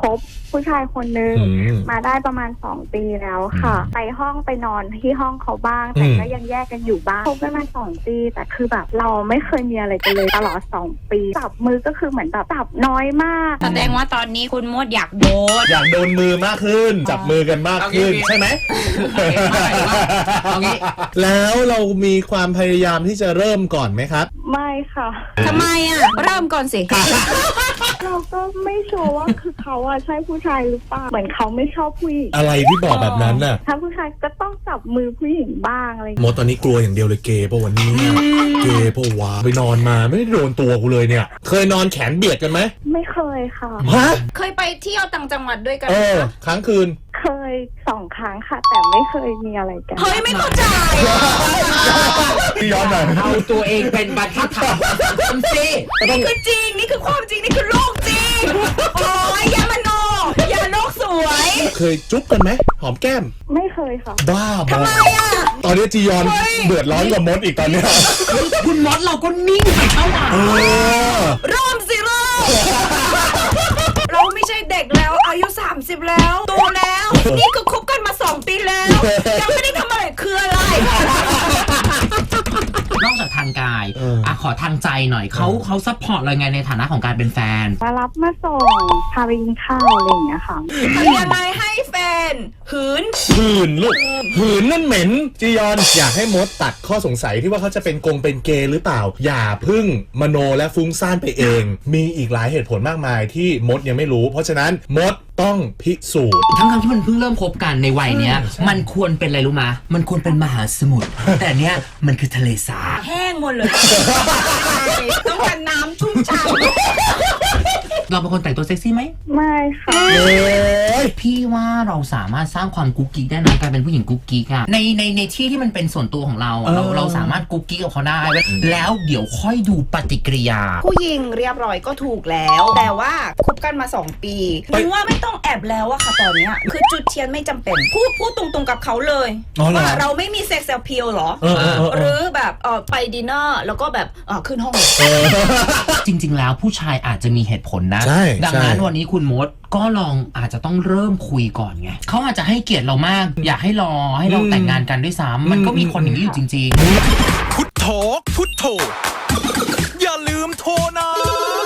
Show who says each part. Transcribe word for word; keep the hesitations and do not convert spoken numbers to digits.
Speaker 1: บผู้ชายคนนึงมาได้ประมาณสองปีแล้วค่ะไปห้องไปนอนที่ห้องเขาบ้างแต่ก็ยังแยกกันอยู่บ้างคบกันมาสองปีแต่คือแบบเราไม่เคยมีอะไรกันเลยตลอดสองปีจับมือก็คือเหมือนแบบจับน้อยมาก
Speaker 2: แสดงว่าตอนนี้คุณมดอยากโดน
Speaker 3: อยากโดนมือมากขึ้นจับมือกันมากขึ้นใช่ไหมแล้วเรามีความพยายามที่จะเริ่มก่อนไหมครับ
Speaker 1: ไม่ค่ะ
Speaker 2: ทำไมอ่ะเริ่มก่อนสิ
Speaker 1: เราก็ไม่ชัวร์ว่าคือเขาอะใช่ผู้ชายหรือเปล่าเหมือนเขาไม่ชอบผู้หญิง
Speaker 3: อะไรที่บอกแบบนั้นน่ะ
Speaker 1: ถ้าผู้ชายก็ต้องจับมือผู้หญิงบ้างอะไร
Speaker 3: โมตอนนี้กลัวอย่างเดียวเลยเกย์ป่ะวันนี้เกย์ป่ะวะไปนอนมาไม่ได้โดนตัวกูเลยเนี่ยเคยนอนแขนเบียดกันไหม
Speaker 1: ไม่เคยค่ะ
Speaker 3: ฮะ
Speaker 2: เคยไปเที่ยวต่างจังหวัดด้วยกัน
Speaker 3: เออครั้งคืน
Speaker 1: เคยสองครั้งค่ะแต่ไม่เคยมีอะไรกัน
Speaker 2: เฮ้ยไม่เข้าใจ
Speaker 3: ย้อนหน่อย
Speaker 4: เอาตัวเองเป็นบรรทัดฐานคนสิ
Speaker 2: นี่คือจริงนี่คือความจริงนี่คือโลกจริงโอ้ยอย่ามโนอย่าโลกสวย
Speaker 3: เคยจุ๊บกันไหมหอมแก้ม
Speaker 1: ไม่เคยค่ะ
Speaker 3: บ้า
Speaker 2: ทำไมอ่ะ
Speaker 3: ตอนนี้จียอนเดือดร้อนกับมดอีกตอนนี้
Speaker 4: คุณมดเราก็นิ่งไปเท่าไหร่
Speaker 2: เริ่มสิเริ่มเราไม่ใช่เด็กแล้วอายุสามสิบแล้วโตแล้วนี่ก็คบกันมาสองปีแล้วยังไม่ได้ทำอะไรคืออะไร
Speaker 4: นอกจากทางกายอ่ะขอทางใจหน่อยเขาเขาซัพพอร์ตเราไงในฐานะของการเป็นแฟน
Speaker 1: มารับมาส่งพาไปกินข้าวอะไรอย่างเงี้ยค่ะ
Speaker 2: ทำยังไงให้แฟนหืน
Speaker 3: หืนลูกหืนนั่นเหม็นจียอนอยากให้มดตัดข้อสงสัยที่ว่าเขาจะเป็นกงเป็นเกย์หรือเปล่าอย่าพึ่งมโนและฟุ้งซ่านไปเองมีอีกหลายเหตุผลมากมายที่มดยังไม่รู้เพราะฉะนั้นมดต้องพิสูจน์
Speaker 4: ทั้งคำที่มันเพิ่งเริ่มคบกันในวัยเนี้ยมันควรเป็นอะไรรู้มะมันควรเป็นมหาสมุทรแต่เนี้ยมันคือทะเลสาบ
Speaker 2: แห้งหมดเลยต้องการน้ำชุ่มฉ่ำ
Speaker 4: เราเป็นคนแต่งตัวเซ็กซี่ไหม
Speaker 1: ไม่ค่ะ
Speaker 4: พี่ว่าเราสามารถสร้างความกุ๊กกิ๊กได้นะการเป็นผู้หญิงกุ๊กกิ๊กอะในในในที่ที่มันเป็นส่วนตัวของเราเราเราสามารถกุ๊กกิ๊กกับเขาได้แล้วเดี๋ยวค่อยดูปฏิกิริยา
Speaker 2: ผู้หญิงเรียบร้อยก็ถูกแล้วแต่ว่าคบกันมาสองปีนึกว่าไม่ต้องแอบแล้วอะค่ะตอนเนี้ยคือจุดเทียนไม่จำเป็นพูดพูดตรงๆกับเขาเลยว่าเราไม่มีเซ็กซ์แอพีลหรอหรือแบบเออไปดินเนอร์แล้วก็แบบเออขึ้นห้อง
Speaker 4: จริงๆแล้วผู้ชายอาจจะมีเหตุผลนะดังนั้นวันนี้คุณมดก็ลองอาจจะต้องเริ่มคุยก่อนไงเขาอาจจะให้เกียรติเรามากอยากให้รอให้เราแต่งงานกันด้วยซ้ำมันก็มีคนอย่างนี้อยู่จริงๆ
Speaker 5: พุทโธพุทโธอย่าลืมโทรนะ